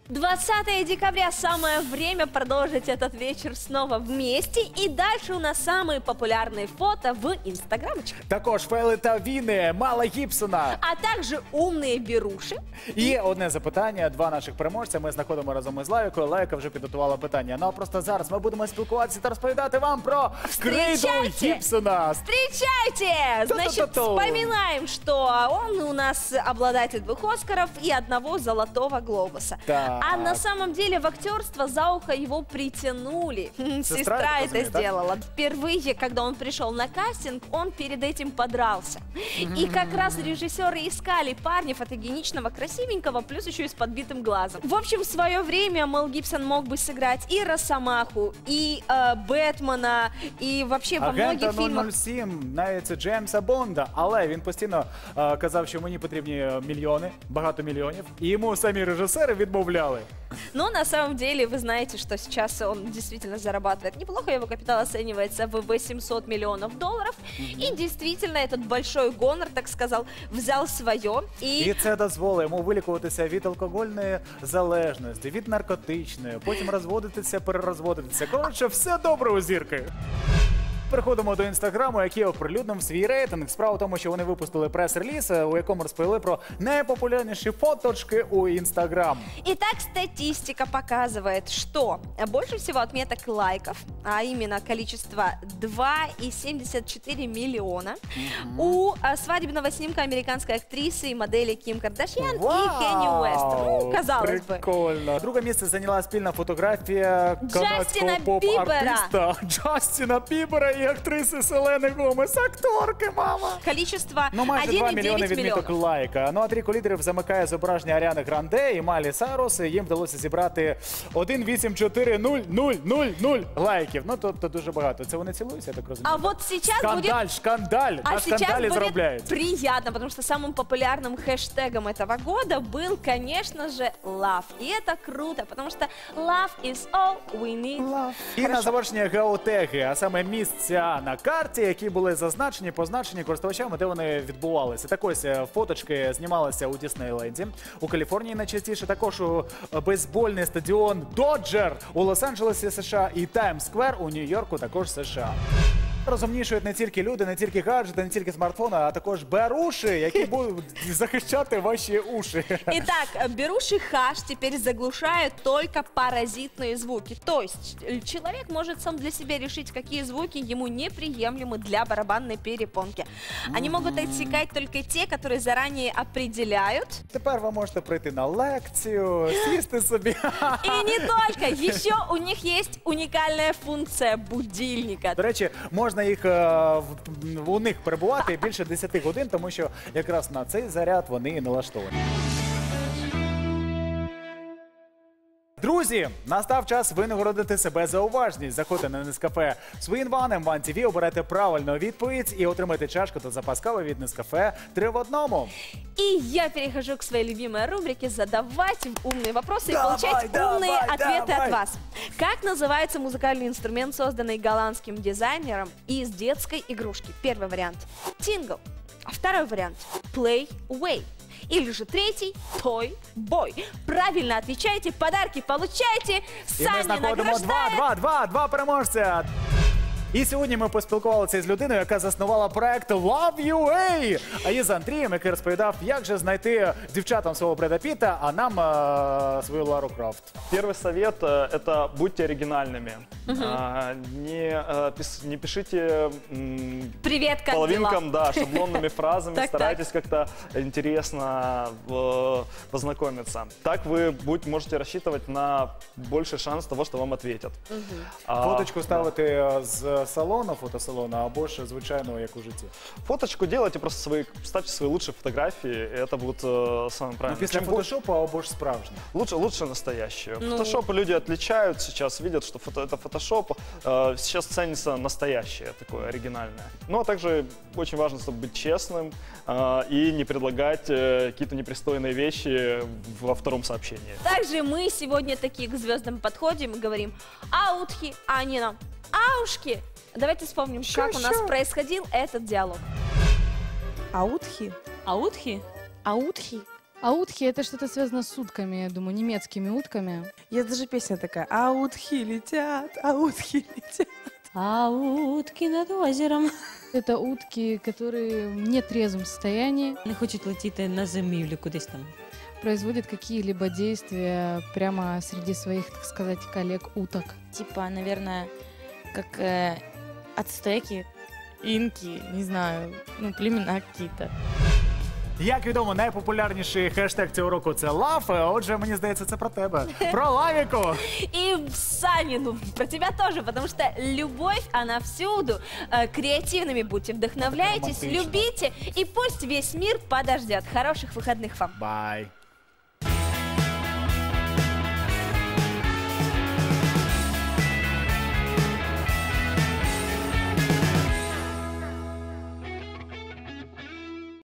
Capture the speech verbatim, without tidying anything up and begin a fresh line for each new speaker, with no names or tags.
двадцатое декабря, самое время продолжить этот вечер снова вместе. И дальше у нас самые популярные фото в інстаграмочках.
Також фейли та війни Мала Гібсона.
А также умные беруши.
І одне запитання, два наших переможця. Ми знаходимо разом із Лайкою. Лайка вже підготувала питання. Ну а просто зараз ми будемо спілкуватися та розповідати вам про крейду Гібсона.
Встречайте! Значит, вспоминаем, что он у нас обладатель двух Оскаров и одного Золотого Глобуса.
Так.
А на самом деле в актерство за ухо его притянули. Сестра, Сестра это сделала. Так? Впервые, когда он пришел на кастинг, он перед этим подрался. И как раз режиссеры искали парня фотогеничного, красивенького, плюс еще и с подбитым глазом. В общем, в свое время Мел Гибсон мог бы сыграть и Росомаху, и э, Бэтмена, и вообще во многих фильмах.
нуль нуль сім, навіть Джеймса Бонда, але він постійно е, казав, що мені потрібні мільйони, багато мільйонів, і йому самі режисери відмовляли.
Но на самом деле вы знаете, что сейчас он действительно зарабатывает неплохо, его капитал оценивается в восемьсот миллионов долларов, mm-hmm. и действительно этот большой гонор, так сказал, взял свое. И...
і це дозволить йому вилікуватися від алкогольної залежності, від наркотичної, потім розводитися, перерозводитися. Коротше, все добре у зірки. Переходимо до інстаграму, який оприлюднив свій рейтинг. Справа в тому, що вони випустили прес-реліз, у якому розповіли про найпопулярнейшие фоточки у Инстаграм.
Итак, статистика показывает, что больше всего отметок лайков, а именно количество два и семьдесят четыре миллиона, mm-hmm. у свадебного снимка американской актрисы и модели Ким Кардашьян wow, и Кенни Уэст. Ну, казалось бы.
Прикольно. Друге місце зайняла спільна фотографія канадського поп-артиста Джастіна Бібера і актриси Селени Гомес, акторки, мама.
Количество
ну, майже два мільйони відміток лайка. Ну а трійку лідерів замикає зображення Аріани Гранде і Майлі Сайрус. Їм вдалося зібрати один вісім чотири нуль нуль нуль нуль лайків. Ну, тобто дуже багато. Це вони цілуються, я так розумію.
А вот сейчас
скандаль,
будет...
шкандаль.
А
на
сейчас
скандале
будет
заробляют.
Приятно, потому что самым популярным хэштегом этого года был, конечно же, love. И это круто, потому что love is all we need.
Love. І на завершення геотеги, а саме місця на карті, які були зазначені, позначені користувачами, де вони відбувалися. Так ось фоточки знімалися у Діснейленді, у Каліфорнії найчастіше, також у бейсбольний стадіон Доджер у Лос-Анджелесі, США, і Таймс-сквер у Нью-Йорку, також США. Розумнішують не тільки люди, не тільки гаджети, не тільки смартфони, а також беруші, які будуть захищати ваші уші.
Итак, беруши хаш теперь заглушают только паразитные звуки. То есть человек может сам для себя решить, какие звуки ему неприемлемы для барабанной перепонки. Они могут отсекать только те, которые заранее определяют.
Тепер ви можете прийти на лекцію, сісти собі.
И не только. Еще у них есть уникальная функция будильника.
До речі, можна їх, у них перебувати більше десяти годин, тому що якраз на цей заряд вони і налаштовані. Друзі, настав час винагородити себе за уважність. Заходьте на Нескафе Свін-Ван, Ем Ван Ті Ві, обирайте правильну відповідь і отримайте чашку та запас кави від Нескафе три в одному.
И я перехожу к своей любимой рубрике «Задавать умные вопросы»
давай,
и получать
давай,
умные ответы
давай.
от вас. Как называется музыкальный инструмент, созданный голландским дизайнером из детской игрушки? Первый вариант – «Тингл», а второй вариант – «Play Way». Или же третий – Toy Boy. Правильно отвечайте, подарки получайте, сами награждаем.
два, два, два, два переможця. І сьогодні ми поспілкувалися з людиною, яка заснувала проект Love.ua. А її з Андрієм, який розповідав, як же знайти дівчатам свого Бреда Піта, а нам а, свою Лару Крофт.
Первый совет – это будьте оригинальными. Uh-huh. а, не, а, пис, не пишите м,
Привет, как
половинкам,
дела?
Да, шаблонными фразами, старайтесь как-то интересно э, познакомиться. Так вы будь, можете рассчитывать на больший шанс того, что вам ответят.
Uh-huh.
а, Фоточку ставити з салону, фотосалону, або ж звичайного, як у житті?
Фоточку делайте, просто свои, ставьте свои лучшие фотографии, и это будет э, самое правильное.
Ну, після фотошопу або ж справжнє?
Лучше, лучше настоящие.
Ну...
Фотошопы люди отличают сейчас, видят, что фото, это фотошоп. Э, сейчас ценится настоящее, такое оригинальное. Ну, а также очень важно, чтобы быть честным э, и не предлагать э, какие-то непристойные вещи во втором сообщении.
Также мы сегодня такие к звездам подходим и говорим «аутхи», а не нам «аушки». Давайте вспомним,
Шо,
как
шо?
у нас происходил этот диалог.
Аутхи?
Аутхи?
Аутхи? А утки — это что-то связано с утками, я думаю, немецкими утками.
Есть даже песня такая: а утки летят, а утки летят.
А утки над озером.
Это утки, которые в нетрезвом состоянии
Не хочуть летіти на зимівлю кудись там.
производят какие-либо действия прямо среди своих, так сказать, коллег-уток.
Типа, наверное, как э, ацтеки, инки, не знаю, ну, племена какие-то.
Як відомо, найпопулярніший хештег цього року – це лав. Отже, мені здається, це про тебе. Про лавіку!
И Сани, ну, про тебя тоже, потому что любовь, она всюду. Э, Креативными будьте, вдохновляйтесь,
романтично.
любите, и пусть весь мир подождет. Хороших выходных вам.
Бай!